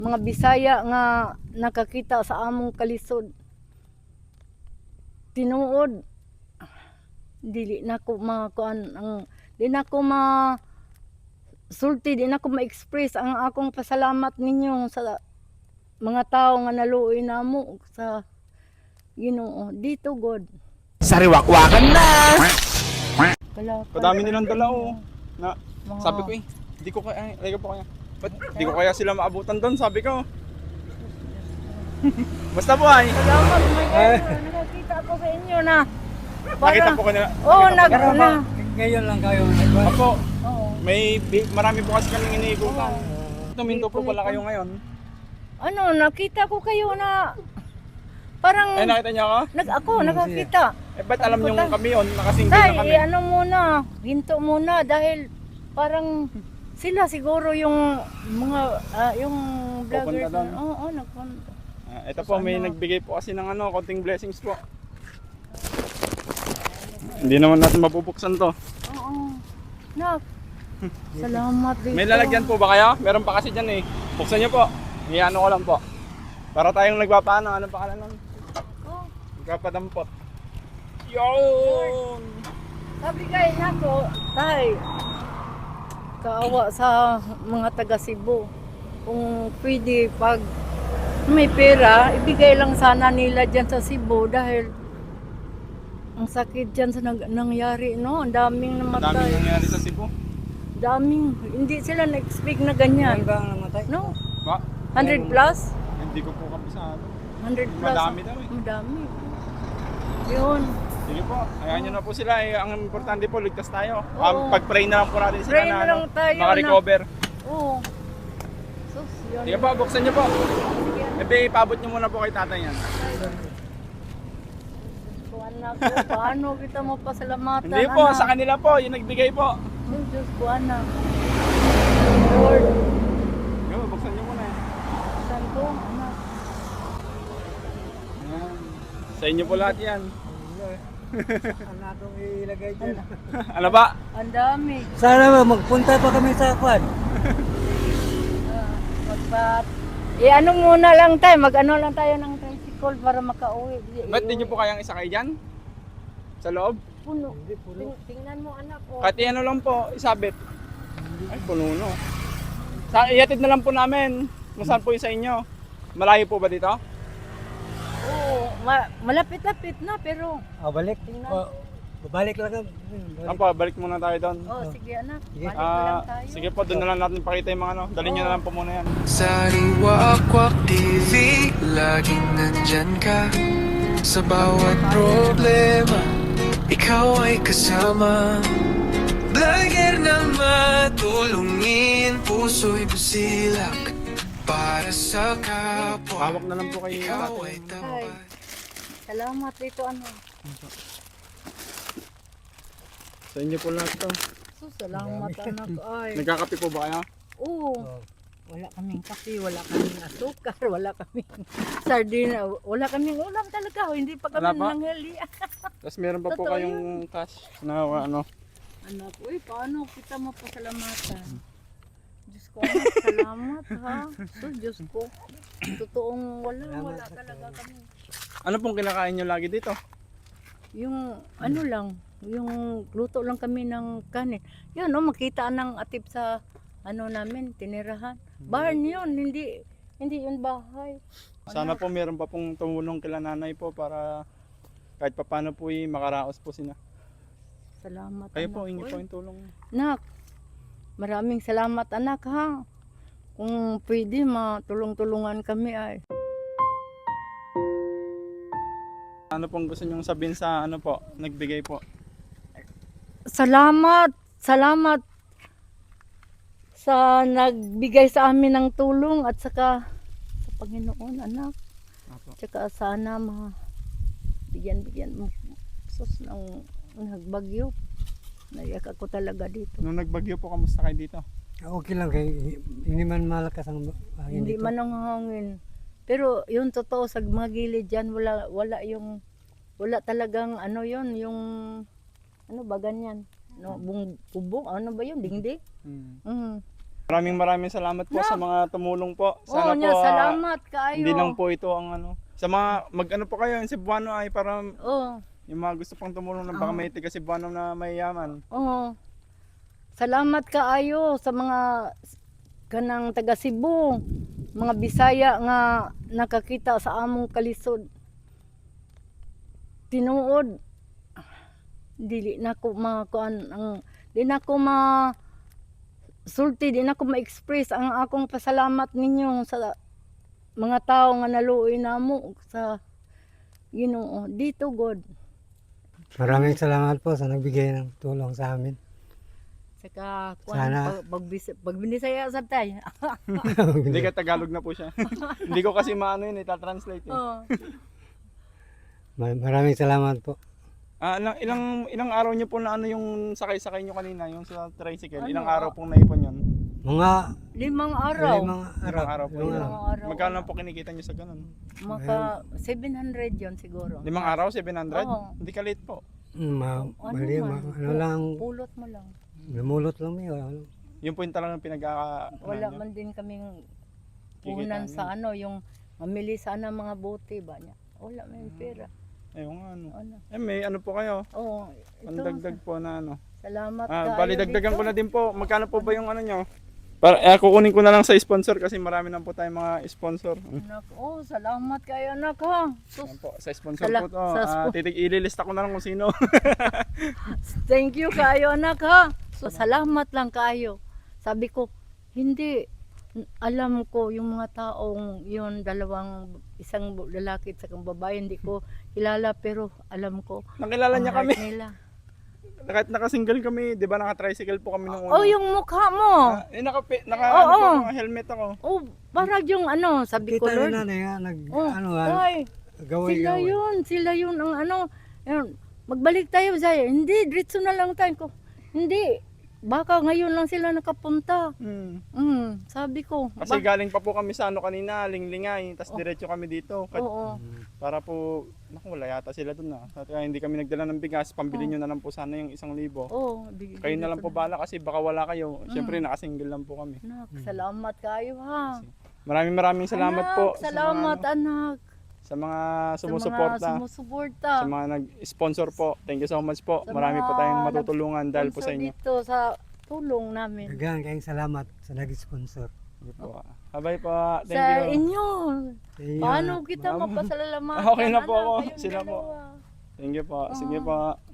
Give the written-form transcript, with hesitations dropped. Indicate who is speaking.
Speaker 1: mga Bisaya nga nakakita sa among kalisod. Tinuod dili na ko makuan ang di na ko ma sulti, di na ko ma-express ang akong pasalamat ninyo sa mga tao nga naluoy namo sa Ginoo dito God.
Speaker 2: Sariwakwakan na!
Speaker 3: Kadami nilang dala na
Speaker 1: Mga-
Speaker 3: sabi ko hindi ko kaya, ay po kaya. Ba't di ko kaya sila maabutan doon, sabi ko. Basta po ay.
Speaker 1: Salamat nakakita ako sa inyo na.
Speaker 3: Nakita po ko nila.
Speaker 1: Oo,
Speaker 3: nakita po ko.
Speaker 4: Ngayon lang kayo nagba.
Speaker 3: Opo,
Speaker 1: Oo.
Speaker 3: marami po kasi kaming iniikutan. Tuminto po pala kayo ngayon.
Speaker 1: Ano, nakita ko kayo na parang
Speaker 3: Ay, nakita niyo ako?
Speaker 1: ako nakakita.
Speaker 3: Eh, ba't alam niyo kami yun? Nakasinggil
Speaker 1: Tay,
Speaker 3: na kami.
Speaker 1: ano muna, hinto muna dahil parang sila siguro yung mga yung vloggers.
Speaker 3: Pupunta doon.
Speaker 1: Oo, nagpunta.
Speaker 3: Ito po, may nagbigay po kasi ng konting blessings po. Hindi naman natin mabubuksan to.
Speaker 1: Oo. Nak. Salamat dito.
Speaker 3: May lalagyan po ba kayo? Meron pa kasi dyan eh. Buksan niyo po. Iano ko lang po. Para tayong nagpapaano. Ano pa nun?
Speaker 1: Oh,
Speaker 3: Nagpapadampot. Yun!
Speaker 1: sabi kay nako, tay. Kaawa sa mga taga Cebu. Kung pwede pag may pera, ibigay lang sana nila dyan sa Cebu dahil ang sakit dyan sa nangyari, no? Ang daming
Speaker 3: Daming
Speaker 1: namatay.
Speaker 3: nangyari sa Cebu.
Speaker 1: Daming, hindi sila na-expect na ganyan.
Speaker 4: Ba ang namatay?
Speaker 1: No?
Speaker 3: Ba?
Speaker 1: 100 plus?
Speaker 3: Hindi ko po kabisado.
Speaker 1: 100 plus.
Speaker 3: Madami daw eh.
Speaker 1: Madami. Yun.
Speaker 3: Sige po, hayaan nyo na po sila eh. Ang importante po, ligtas tayo.
Speaker 1: Oo.
Speaker 3: Pag-pray na lang po natin sila
Speaker 1: Pray
Speaker 3: na
Speaker 1: na lang tayo
Speaker 3: makarecover.
Speaker 1: Oo. Sus, yun.
Speaker 3: Sige po, buksan nyo po. Ebe, ipabot nyo muna po kay tatay yan.
Speaker 1: Kung anak ko, paano kita mo pasalamatan?
Speaker 3: Hindi po,
Speaker 1: anak?
Speaker 3: sa kanila po, yung nagbigay po.
Speaker 1: Oh, Diyos ko, anak. Lord,
Speaker 3: Sige po, buksan nyo muna eh.
Speaker 1: saan ko, anak?
Speaker 3: Ayan. Sa inyo po lahat yan.
Speaker 4: Ano itong ilagay dyan?
Speaker 3: Ano ba?
Speaker 1: Ang dami.
Speaker 4: Sana ba magpunta pa kami sa kwan?
Speaker 1: Magpat. Ano muna lang tayo, mag-ano lang tayo ng tricycle para makauwi.
Speaker 3: Ba't di nyo po kayang isakay dyan? Sa loob?
Speaker 1: Puno. Tingnan mo, anak ko.
Speaker 3: Kahit ano lang po, isabit. Ay, puno no. Ihatid na lang po namin. Kung saan po yung sa inyo. Malayo po ba dito?
Speaker 1: Oo, malapit-lapit na, pero...
Speaker 4: Balik.
Speaker 1: Tingnan.
Speaker 4: Babalik lang kami.
Speaker 3: Apo, balik muna tayo doon.
Speaker 1: Oh, sige anak.
Speaker 4: Sige.
Speaker 1: Balik lang tayo.
Speaker 3: Sige po, doon na lang natin pakita yung mga ano. Dalhin nyo na lang po muna yan.
Speaker 2: Sariwakwak TV, laging nandyan ka. Sa bawat problema, ikaw ay kasama. Vlogger na matulungin, puso'y busilak. Para sa kapwa,
Speaker 3: Hawak na lang po kayo.
Speaker 2: ikaw ay
Speaker 1: Ay,
Speaker 2: tapat.
Speaker 1: salamat dito, ano.
Speaker 3: Sa inyo po lahat to.
Speaker 1: So, salamat anak. Ay.
Speaker 3: Nagkakape po ba kayo?
Speaker 1: Oo. Wala kaming kape, wala kaming asukar, wala kaming sardina, wala kaming ulam talaga. Hindi pa kami
Speaker 3: Wala pa?
Speaker 1: nanghali.
Speaker 3: Tapos meron pa po
Speaker 1: Totoo
Speaker 3: kayong cash na ano.
Speaker 1: Anak, uy, paano kita mapasalamatan? Diyos ko, anak, salamat ha. So, Diyos ko, totoong wala talaga kami.
Speaker 3: Ano pong kinakain nyo lagi dito?
Speaker 1: Yung ano lang, yung luto lang kami ng kanin. Yun, no, makita ng atip sa ano namin, tinirahan. Barn yun, hindi yun bahay.
Speaker 3: Sana po meron pa pong tumulong kila nanay po para kahit papano po makaraos po sila.
Speaker 1: Salamat
Speaker 3: Kayo
Speaker 1: anak.
Speaker 3: po, hingi
Speaker 1: Uy,
Speaker 3: po yung tulong.
Speaker 1: Nak, maraming salamat anak ha. Kung pwede matulong-tulungan kami ay.
Speaker 3: Ano pong gusto nyong sabihin sa ano po, nagbigay po?
Speaker 1: Salamat sa nagbigay sa amin ng tulong at saka sa Panginoon anak.
Speaker 3: Apo.
Speaker 1: Tsaka sana bigyan mo sus ng nagbagyo. Naiyak ako talaga dito.
Speaker 3: Nung nagbagyo po, kamusta kayo dito?
Speaker 4: Okay lang kay hindi man malakas ang hangin
Speaker 1: Hindi
Speaker 4: dito.
Speaker 1: man ang hangin. Pero yun totoo sa mga gilid dyan, wala talagang ano yun, yung ano ba ganyan? No, bubong, ano ba yun? Dingding?
Speaker 3: Hmm.
Speaker 1: Mm.
Speaker 3: Maraming salamat po sa mga tumulong po.
Speaker 1: Oo,
Speaker 3: Sana po
Speaker 1: salamat kaayo.
Speaker 3: hindi lang po ito ang ano. Sa mga mag-ano po kayo, yung Cebuano ay para
Speaker 1: Oo.
Speaker 3: yung mga gusto pang tumulong ng baka may tiga Cebuano na mayayaman.
Speaker 1: Oo. Salamat kaayo sa mga kanang taga Cebu, mga Bisaya nga nakakita sa among kalisod. Tinuod dili na ko makuan ang di na ko ma sulti, di na ko ma-express ang akong pasalamat ninyo sa mga tao nga naluoy namo sa Ginoo dito God.
Speaker 4: Maraming salamat po sa nagbigay ng tulong sa amin.
Speaker 1: Saka
Speaker 4: Sana-
Speaker 1: pag binisaya sa tay.
Speaker 3: Hindi ka Tagalog na po siya. Hindi ko kasi maano yun, itatranslate eh.
Speaker 1: Oh.
Speaker 4: Maraming salamat po.
Speaker 3: Ilang araw niyo po na ano yung sakay-sakay niyo kanina, yung sa tricycle?
Speaker 1: Ano?
Speaker 3: Ilang araw pong naipon yun?
Speaker 4: Mga
Speaker 1: 5 araw.
Speaker 4: limang
Speaker 3: Ilang araw po yun.
Speaker 1: Limang araw.
Speaker 3: Magkano po kinikita niyo sa ganun?
Speaker 1: Maka 700 yon siguro.
Speaker 3: 5 araw, 700?
Speaker 1: Oo.
Speaker 3: Hindi ka late po.
Speaker 4: mali, ano lang,
Speaker 1: Pulot mo lang.
Speaker 4: namulot lang yun. Ano.
Speaker 3: Yun po yung talagang
Speaker 1: Wala man din kaming puhunan
Speaker 3: Kikita
Speaker 1: sa ano, yung mamili sana mga bote ba niya. Wala may pera.
Speaker 3: Ayun nga ano.
Speaker 1: Ano?
Speaker 3: May ano po kayo?
Speaker 1: Oh,
Speaker 3: Ang
Speaker 1: ito.
Speaker 3: dagdag po na ano.
Speaker 1: Salamat
Speaker 3: Bali dagdagan ko na din po. Magkano po ba yung ano nyo? Kukunin ko na lang sa sponsor kasi marami na po tayong mga sponsor.
Speaker 1: Anak, salamat kayo anak ha. Sus,
Speaker 3: Ayan po, sa sponsor
Speaker 1: Sala-
Speaker 3: po to.
Speaker 1: sa
Speaker 3: Ililista ko na lang kung sino.
Speaker 1: thank you kayo anak ha. So salamat lang kayo. Sabi ko, hindi alam ko yung mga taong yun, isang lalaki at isang babae, hindi ko kilala pero alam ko.
Speaker 3: Nakilala
Speaker 1: ang
Speaker 3: niya
Speaker 1: heart
Speaker 3: kami.
Speaker 1: nila.
Speaker 3: Kahit naka-single kami, 'di ba? Naka-tricycle po kami nung
Speaker 1: Oh, yung mukha mo.
Speaker 3: naka
Speaker 1: Oo.
Speaker 3: ano po, helmet ako.
Speaker 1: Oh, parang yung ano, sabi ko,
Speaker 4: Kita
Speaker 1: Lord.
Speaker 4: na nanay nga,
Speaker 1: Oh,
Speaker 4: ano,
Speaker 1: ay,
Speaker 4: gaway-gaway.
Speaker 1: sila yun ang ano. Yun, magbalik tayo sa hindi, diretso na lang tayo ko. Hindi, baka ngayon lang sila nakapunta. Sabi ko.
Speaker 3: Kasi galing pa po kami sa ano kanina, Linglingay, tapos diretso kami dito.
Speaker 1: Oo.
Speaker 3: Para po, naku, wala yata sila dun na. Kaya hindi kami nagdala ng bigas, pambili nyo na lang po sana yung 1,000.
Speaker 1: Oo,
Speaker 3: Kayo na lang po bala kasi baka wala kayo. Siyempre nakasingle lang po kami.
Speaker 1: Anak, salamat kayo ha.
Speaker 3: Maraming salamat
Speaker 1: Anak,
Speaker 3: po
Speaker 1: salamat anak.
Speaker 3: sa mga
Speaker 1: Sa
Speaker 3: sumusuporta,
Speaker 1: mga sumusuporta.
Speaker 3: sa mga nag-sponsor po. Thank you so much po.
Speaker 1: Sa
Speaker 3: Marami po
Speaker 1: mga
Speaker 3: tayong matutulungan dahil po sa
Speaker 1: sponsor
Speaker 3: inyo.
Speaker 1: dito sa tulong namin.
Speaker 4: Dagan kayong salamat sa nag-sponsor.
Speaker 3: Sige po. Bye po. Thank
Speaker 1: Sa
Speaker 3: you.
Speaker 1: inyo.
Speaker 4: Sa inyo,
Speaker 1: Paano kita mapasalamatan?
Speaker 3: Okay na po
Speaker 1: anak,
Speaker 3: ako.
Speaker 1: kayong
Speaker 3: Sila po.
Speaker 1: dalawa.
Speaker 3: Thank you po. Sige po.